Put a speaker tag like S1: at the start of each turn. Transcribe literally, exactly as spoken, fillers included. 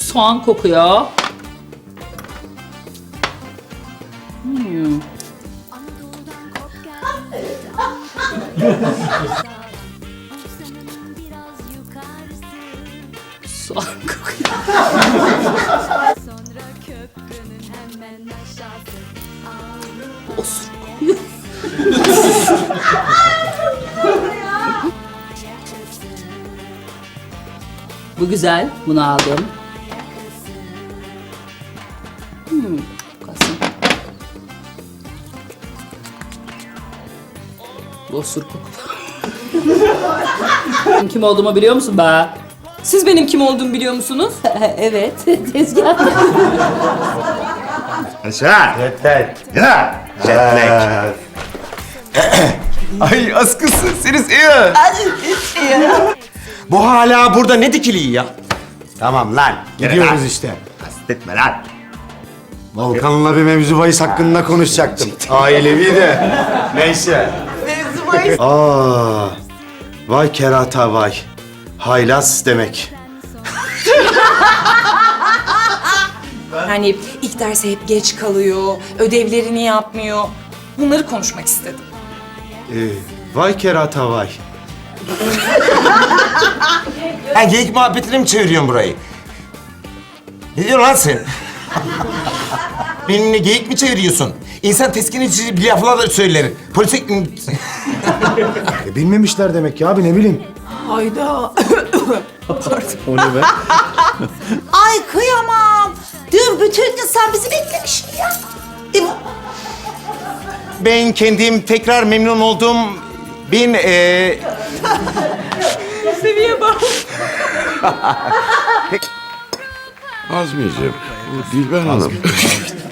S1: Soğan kokuyor. Hmm. Soğan kokuyor. Osur kokuyor. Bu güzel. Bunu aldım. Hmm, kalsın. Bu osur kokuyor. Kim olduğumu biliyor musun be?
S2: Siz benim kim olduğumu biliyor musunuz?
S1: Evet, tezgah.
S3: Aşağı.
S4: Yeter.
S3: Ya. Jetlag.
S4: Ay askısı seni seviyor. Bu hala burada ne dikiliği ya?
S3: Tamam lan.
S4: Gidiyoruz işte.
S3: Kastetme lan.
S4: Volkan'la bir mevzu bahis hakkında konuşacaktım. Ailevi de. Neyse.
S5: Mevzu bahis.
S4: Aa, vay kerata vay. Haylaz demek.
S2: Hani ilk derse hep geç kalıyor, ödevlerini yapmıyor. Bunları konuşmak istedim.
S4: Ee, vay kerata vay.
S6: Ha geyik muhabbetine mi çeviriyorsun burayı? Ne diyorsun lan sen? Benimle geyik mi çeviriyorsun? İnsan teskin edici bir laflar da söyler. Polise...
S4: E, bilmemişler demek ya abi ne bileyim.
S5: Hayda.
S4: O ne be?
S5: Ay kıyamam. Dün bütün gün sen bizi beklemişsin ya. E,
S6: Ben kendim tekrar memnun oldum. Ben eee...
S2: Seviye bak.
S7: Azmiyeciğim, bu Dilber Hanım